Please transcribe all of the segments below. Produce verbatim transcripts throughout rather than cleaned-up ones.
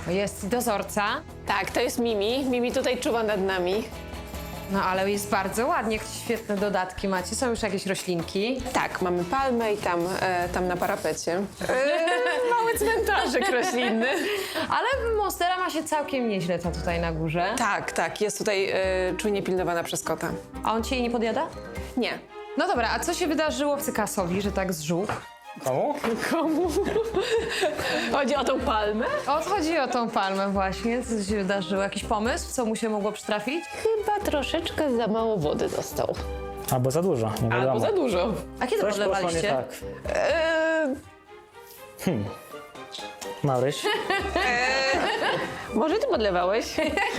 jest dozorca. Tak, to jest Mimi. Mimi tutaj czuwa nad nami. No ale jest bardzo ładnie, świetne dodatki macie. Są już jakieś roślinki. Tak, mamy palmę i tam, e, tam na parapecie. E, mały cmentarzyk roślinny. Ale monstera ma się całkiem nieźle ta tutaj na górze. Tak, tak, jest tutaj e, czujnie pilnowana przez kota. A on ci jej nie podjada? Nie. No dobra, a co się wydarzyło Cykasowi, że tak zżółkł? Komu? Komu? Chodzi o tą palmę? O, chodzi o tą palmę właśnie. Co się wydarzyło? Jakiś pomysł? Co mu się mogło przytrafić? Chyba troszeczkę za mało wody dostał. Albo za dużo, nie wiadomo. Albo za dużo. A kiedy Coś poszło nie podlewaliście? tak. E, Maryś? może ty podlewałeś?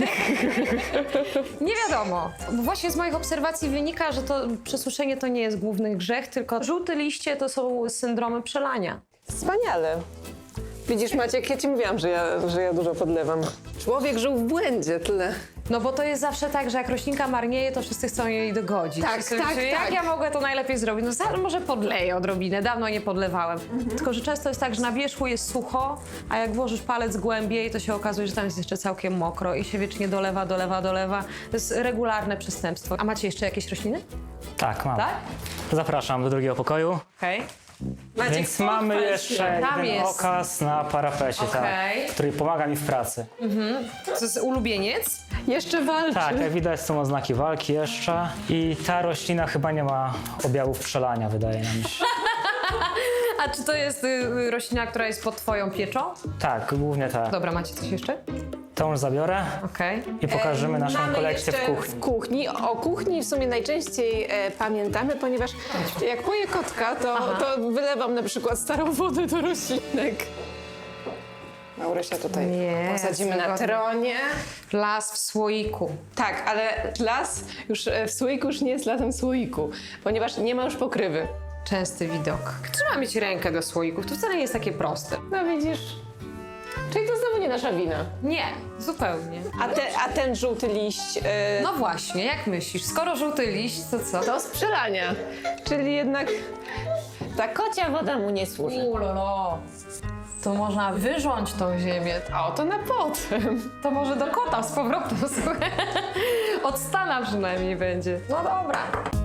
Nie wiadomo. Bo właśnie z moich obserwacji wynika, że to przesuszenie to nie jest główny grzech, tylko żółte liście to są syndromy przelania. Wspaniale. Widzisz, Maciek, ja ci mówiłam, że ja, że ja dużo podlewam. Człowiek żył w błędzie, tyle. No bo to jest zawsze tak, że jak roślinka marnieje, to wszyscy chcą jej dogodzić. Tak, Wszyscy tak, myślą, Jak tak. ja mogę to najlepiej zrobić? No za- może podleję odrobinę, dawno nie podlewałem. Tylko, że często jest tak, że na wierzchu jest sucho, a jak włożysz palec głębiej, to się okazuje, że tam jest jeszcze całkiem mokro i się wiecznie dolewa, dolewa, dolewa. To jest regularne przestępstwo. A macie jeszcze jakieś rośliny? Tak, mam. Tak? Zapraszam do drugiego pokoju. Okej. Maciek, Więc mamy pochwal jeszcze się. Tam jeden jest. okaz na parapecie, Okej. tak, który pomaga mi w pracy. To jest ulubieniec? Jeszcze walczy. Tak, jak widać są oznaki walki jeszcze i ta roślina chyba nie ma objawów przelania, wydaje nam się. A czy to jest y, roślina, która jest pod twoją pieczą? Tak, głównie tak. Dobra, macie coś jeszcze? To już zabiorę Okej. i pokażemy naszą Mamy kolekcję w jeszcze kuchni. W kuchni. O kuchni w sumie najczęściej e, pamiętamy, ponieważ jak poję kotka, to, to wylewam na przykład starą wodę do roślinek. Maurysia tutaj Nie, posadzimy na wygodnie. tronie. Las w słoiku. Tak, ale las już e, w słoiku już nie jest lasem w słoiku, ponieważ nie ma już pokrywy. Częsty widok. Trzeba mieć rękę do słoików. To wcale nie jest takie proste. No widzisz? Czyli to znowu nie nasza wina. Nie, zupełnie. A, te, a ten żółty liść e, No właśnie, jak myślisz? Skoro żółty liść, to co? do sprzedania. Czyli jednak ta kocia woda mu nie służy. Ulolo. To można wyrząć tą ziemię. O, to na potem. To może do kota z powrotem, słuchaj. Od Stana przynajmniej będzie. No dobra.